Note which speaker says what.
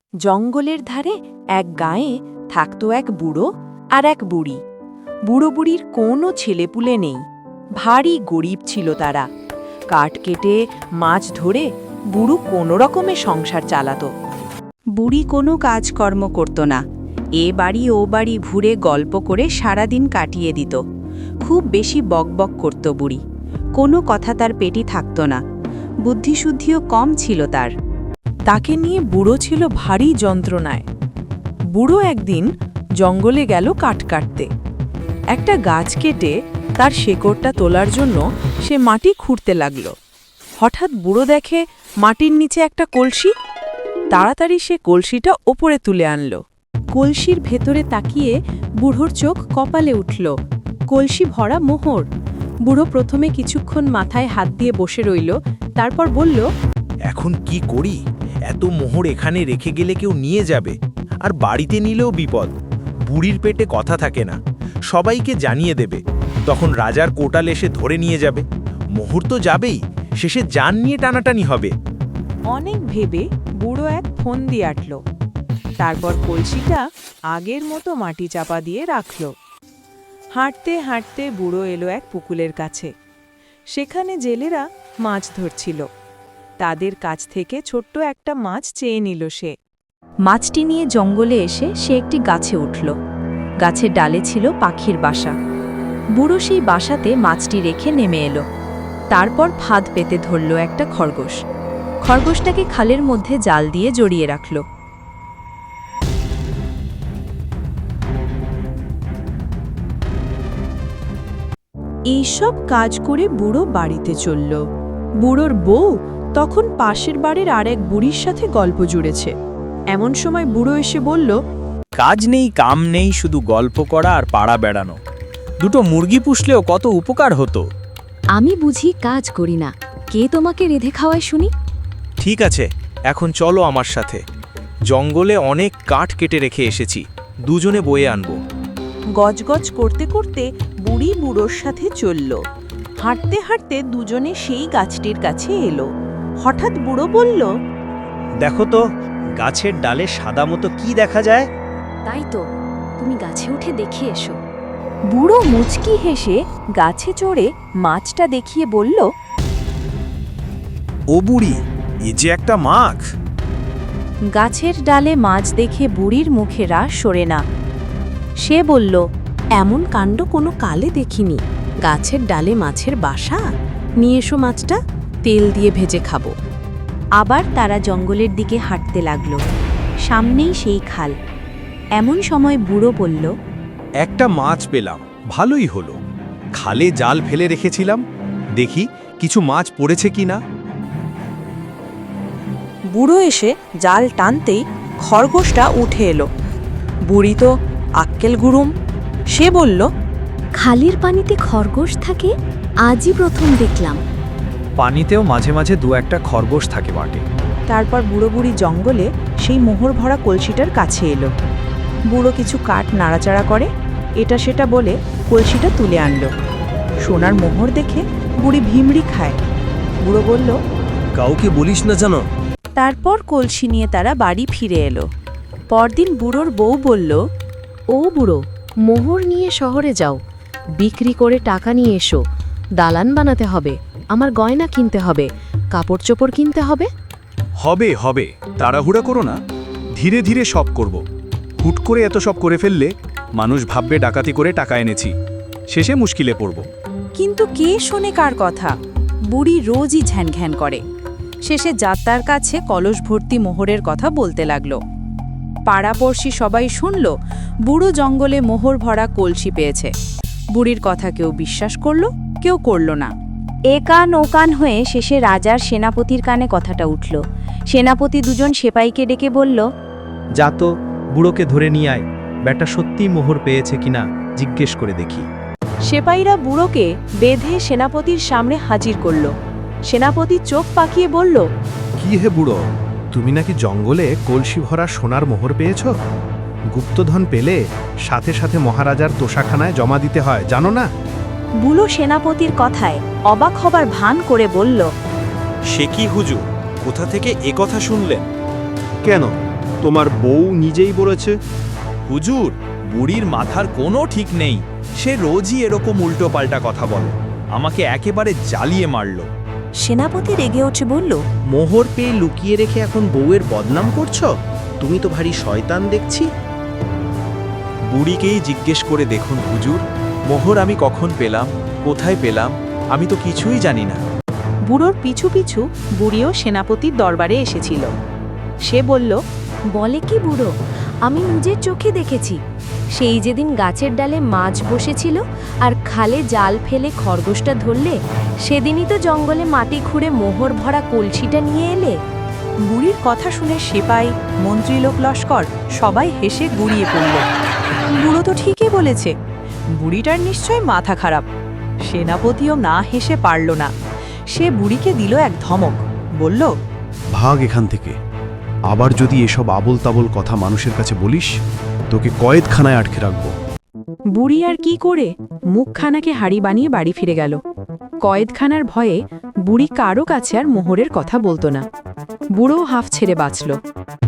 Speaker 1: জঙ্গলের ধারে এক গাঁয়ে থাকত এক বুড়ো আর এক বুড়ি। বুড়ো বুড়ির কোনো ছেলেপুলে নেই, ভারী গরিব ছিল তারা। কাঠ কেটে মাছ ধরে বুড়ো কোনো রকমে সংসার চালাত। বুড়ি কোনো কাজকর্ম করত না, এ বাড়ি ও বাড়ি ঘুরে গল্প করে সারাদিন কাটিয়ে দিত। খুব বেশি বকবক করত বুড়ি, কোনো কথা তার পেটি থাকত না, বুদ্ধিশুদ্ধিও কম ছিল তার। তাকে নিয়ে বুড়ো ছিল ভারী যন্ত্রণায়। বুড়ো একদিন জঙ্গলে গেল কাঠ কাটতে। একটা গাছ কেটে তার শেকড়টা তোলার জন্য সে মাটি খুঁড়তে লাগল। হঠাৎ বুড়ো দেখে মাটির নিচে একটা কলসি। তাড়াতাড়ি সে কলসিটা ওপরে তুলে আনল। কলসির ভেতরে তাকিয়ে বুড়োর চোখ কপালে উঠল। কলসি ভরা মোহর। বুড়ো প্রথমে কিছুক্ষণ মাথায় হাত দিয়ে বসে রইল, তারপর বলল,
Speaker 2: এখন কি করি? এত মোহর এখানে রেখে গেলে কেউ নিয়ে যাবে, আর বাড়িতে নিলেও বিপদ। বুড়ির পেটে কথা থাকে না, সবাইকে জানিয়ে দেবে, তখন রাজার কোটাল এসে ধরে নিয়ে যাবে। মোহর তো যাবেই, শেষে জান নিয়ে টানাটানি হবে।
Speaker 1: অনেক ভেবে বুড়ো এক ফোন দিয়ে আটল। তারপর কলসিটা আগের মতো মাটি চাপা দিয়ে রাখল। হাঁটতে হাঁটতে বুড়ো এলো এক পুকুরের কাছে। সেখানে জেলেরা মাছ ধরছিল। তাদের কাছ থেকে ছোট্ট একটা মাছ চেয়ে নিল সে। মাছটি নিয়ে জঙ্গলে এসে সে একটি গাছে উঠল। গাছের ডালে ছিল পাখির বাসা। বুড়ো সেই বাসাতে মাছটি রেখে নেমে এলো। তারপর ফাঁদ পেতে ধরল একটা খরগোশ। খরগোশটাকে খালের মধ্যে জাল দিয়ে জড়িয়ে রাখল। এইসব কাজ করে বুড়ো বাড়িতে চলল। বুড়োর বউ তখন পাশের বাড়ির আরেক বুড়ির সাথে গল্প জুড়েছে। এমন সময় বুড়ো এসে বলল,
Speaker 3: কাজ নেই কাম নেই, শুধু গল্প করা আর পাড়া বেড়ানো। দুটো মুরগি পুষলেও কত উপকার হতো।
Speaker 4: আমি বুঝি কাজ করি না, কে তোমাকে রেঁধে খাওয়ায় শুনি?
Speaker 2: ঠিক আছে, এখন চলো আমার সাথে। জঙ্গলে অনেক কাঠ কেটে রেখে এসেছি, দুজনে বয়ে আনবো।
Speaker 1: গজগজ করতে করতে বুড়ি বুড়োর সাথে চলল। হাঁটতে হাঁটতে দুজনে সেই গাছটির কাছে এলো। হঠাৎ বুড়ো বলল,
Speaker 3: দেখো তো, গাছের ডালে সাদা মতো কি দেখা যায়?
Speaker 4: তাই তো, তুমি গাছে উঠে দেখে এসো।
Speaker 1: বুড়ো মুচকি হেসে গাছে চড়ে মাছটা দেখিয়ে বলল,
Speaker 2: ও বুড়ি, এ যে একটা মাছ।
Speaker 1: গাছের ডালে মাছ দেখে বুড়ির মুখে রাশ সরে না। সে বলল, এমন কাণ্ড কোনো কালে দেখিনি। গাছের ডালে মাছের বাসা, নিয়ে এসো মাছটা, তেল দিয়ে ভেজে খাবো। আবার তারা জঙ্গলের দিকে হাঁটতে লাগল। সামনেই সেই খাল। এমন সময় বুড়ো বলল,
Speaker 2: একটা মাছ পেলাম, ভালোই হলো। খালে জাল ফেলে রেখেছিলাম, দেখি কিছু মাছ পড়েছে কিনা।
Speaker 1: বুড়ো এসে জাল টানতেই খরগোশটা উঠে এলো। বুড়ি তো আক্কেল গুরুম। সে বলল,
Speaker 4: খালির পানিতে খরগোশ থাকে, আজই প্রথম দেখলাম।
Speaker 3: পানিতেও মাঝে মাঝে দু একটা খরগোশ থাকে বটে।
Speaker 1: তারপর বুড়ো বুড়ি জঙ্গলে সেই মোহর ভরা কলসিটার কাছে এলো। বুড়ো কিছু কাঠ নাড়াচাড়া করে, এটা সেটা বলে কলসিটা তুলে আনলো। সোনার মোহর দেখে বুড়ি ভিমড়ি খায়। বুড়ো বলল,
Speaker 3: কাউকে বলিস না জানো।
Speaker 1: তারপর কলসি নিয়ে তারা বাড়ি ফিরে এলো। পরদিন বুড়োর বউ বলল,
Speaker 4: ও বুড়ো, মোহর নিয়ে শহরে যাও, বিক্রি করে টাকা নিয়ে এসো। দালান বানাতে হবে, আমার গয়না কিনতে হবে, কাপড় চোপড় কিনতে হবে।
Speaker 5: হবে হবে, তাড়াহুড়া করো না, ধীরে ধীরে সব করব। হুট করে এত সব করে ফেললে মানুষ ভাববে ডাকাতি করে টাকা এনেছি, শেষে মুশকিলে পড়ব।
Speaker 1: কিন্তু কে শোনে কার কথা? বুড়ি রোজই ঝ্যানঘ্যান করে। শেষে যাত্রার কাছে কলস ভর্তি মোহরের কথা বলতে লাগল। পাড়াপড়শি সবাই শুনল বুড়ো জঙ্গলে মোহর ভরা কলসি পেয়েছে। বুড়ির কথা কেউ বিশ্বাস করল, কেউ করল না। এ কান ও কান হয়ে শেষে রাজার সেনাপতির কানে কথাটা উঠল। সেনাপতি দুজন সেপাইকে ডেকে বলল,
Speaker 3: যা তো, বুড়োকে ধরে নিয়ে আয়, ব্যাটা সত্যি মোহর পেয়েছে কিনা জিজ্ঞেস করে দেখি।
Speaker 1: সেপাইরা বুড়োকে বেঁধে সেনাপতির সামনে হাজির করল। সেনাপতি চোখ পাকিয়ে বলল,
Speaker 5: কি হে বুড়ো, তুমি নাকি জঙ্গলে কলসি ভরা সোনার মোহর পেয়েছ? গুপ্তধন পেলে সাথে সাথে মহারাজার তোষাখানায় জমা দিতে হয়, জানো না?
Speaker 1: বুড়ো সেনাপতির কথায় অবাক হবার ভান করে বলল,
Speaker 2: সে কি হুজুর, কোথা থেকে এ কথা শুনলেন?
Speaker 5: কেন,
Speaker 6: তোমার বউ নিজেই বলেছে।
Speaker 3: হুজুর, বুড়ির মাথার কোনো ঠিক নেই। সে রোজই এরকম উল্টোপাল্টা কথা বলে। আমাকে একেবারে জ্বালিয়ে মারল।
Speaker 1: সেনাপতি রেগে উঠে বলল,
Speaker 2: মোহর পেয়ে লুকিয়ে রেখে এখন বউয়ের বদনাম করছো? তুমি তো ভারী শয়তান দেখছি।
Speaker 3: বুড়িকেই জিজ্ঞেস করে দেখুন হুজুর, মোহর আমি কখন পেলাম, কোথায় পেলাম, আমি তো কিছুই জানি না।
Speaker 1: বুড়োর পিছু পিছু বুড়িও সেনাপতির দরবারে এসেছিল। সে বলল,
Speaker 4: বলে কি বুড়ো, আমি নিজের চোখে দেখেছি। সেই যেদিন গাছের ডালে মাছ বসেছিল আর খালে জাল ফেলে খরগোশটা ধরলে, সেদিনই তো জঙ্গলে মাটি খুঁড়ে মোহর ভরা কলসিটা নিয়ে এলে।
Speaker 1: বুড়ির কথা শুনে সেপাই, মন্ত্রীলোক লস্কর সবাই হেসে গুড়িয়ে পড়ল। বুড়ো তো ঠিকই বলেছে, বুড়িটার নিশ্চয় মাথা খারাপ। সেনাপতিও না হেসে পারল না। সে বুড়িকে দিল এক ধমক, বলল,
Speaker 6: ভাগ এখান থেকে। আবার যদি এসব আবল তাবল কথা মানুষের কাছে বলিস, তোকে কয়েদখানায় আটকে রাখবো।
Speaker 1: বুড়ি আর কি করে মুখখানাকে হাড়ি বানিয়ে বাড়ি ফিরে গেল। কয়েদখানার ভয়ে বুড়ি কারো কাছে আর মোহরের কথা বলতো না। বুড়ো হাফ ছেড়ে বাঁচল।